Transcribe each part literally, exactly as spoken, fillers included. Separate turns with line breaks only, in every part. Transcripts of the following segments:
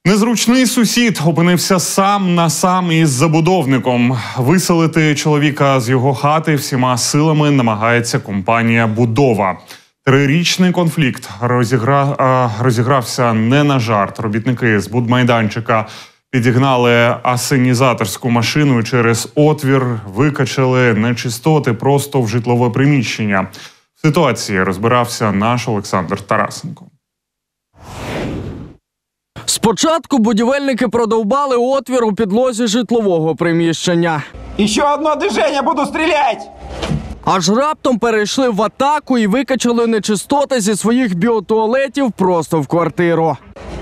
Незручний сусід опинився сам на сам із забудовником. Виселити чоловіка з його хати всіма силами намагається компанія «Будова». Трирічний конфлікт розігра... розігрався не на жарт. Робітники з будмайданчика підігнали асенізаторську машину і через отвір викачали нечистоти просто в житлове приміщення. В ситуації розбирався наш Олександр Тарасенко.
Спочатку будівельники продовбали отвір у підлозі житлового приміщення.
«Ще одне движення, буду стріляти!»
Аж раптом перейшли в атаку і викачали нечистоти зі своїх біотуалетів просто в квартиру.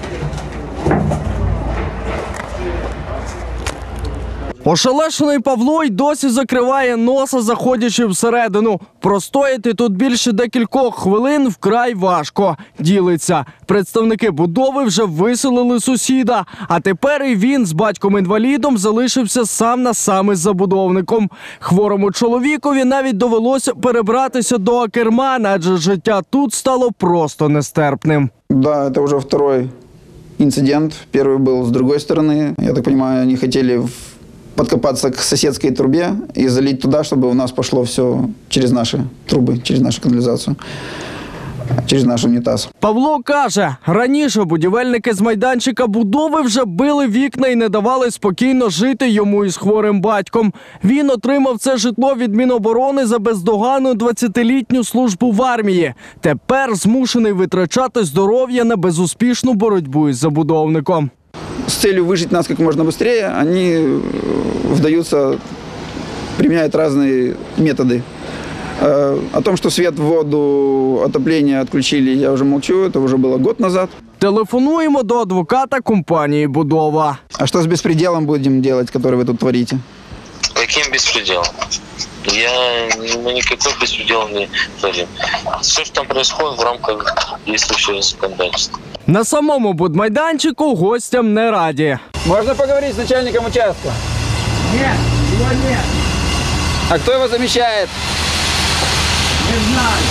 Ошелешений Павло й досі закриває носа, заходячи всередину. Простояти тут більше декількох хвилин вкрай важко. Ділиться. Представники будови вже виселили сусіда. А тепер і він з батьком-інвалідом залишився сам на сам із забудовником. Хворому чоловікові навіть довелося перебратися до Акермана, адже життя тут стало просто нестерпним.
Да, це вже другий інцидент. Перший був з іншої сторони. Я так розумію, вони хотіли подкопаться к соседской трубе и залить туда, чтобы у нас пошло все через наши трубы, через нашу канализацию, через наш унітаз.
Павло каже, раніше будівельники з майданчика будови вже били вікна і не давали спокійно жити йому із хворим батьком. Він отримав це житло від Міноборони за бездоганну двадцятилітню службу в армії. Тепер змушений витрачати здоров'я на безуспішну боротьбу із забудовником.
С целью выжить нас как можно быстрее, они вдаются, применяют разные методы. О том, что свет, воду, отопление отключили, я уже молчу, это уже было год назад.
Телефонуємо до адвоката компанії «Будова».
А что с беспределом будем делать, который вы тут творите?
Каким беспределом? Я, мы никакой беспредел не творим. Все, что там происходит, в рамках действующего законодательства.
На самому будмайданчику гостям не раді.
Можно поговорить с начальником участка?
Нет, его нет.
А кто его замещает?
Не знаю.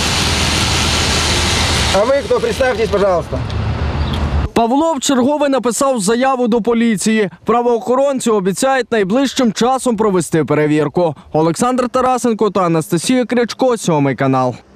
А вы кто? Представьтесь, пожалуйста.
Павло вчергове написав заяву до поліції. Правоохоронці обіцяють найближчим часом провести перевірку. Олександр Тарасенко та Анастасія Крячко, сьомий канал.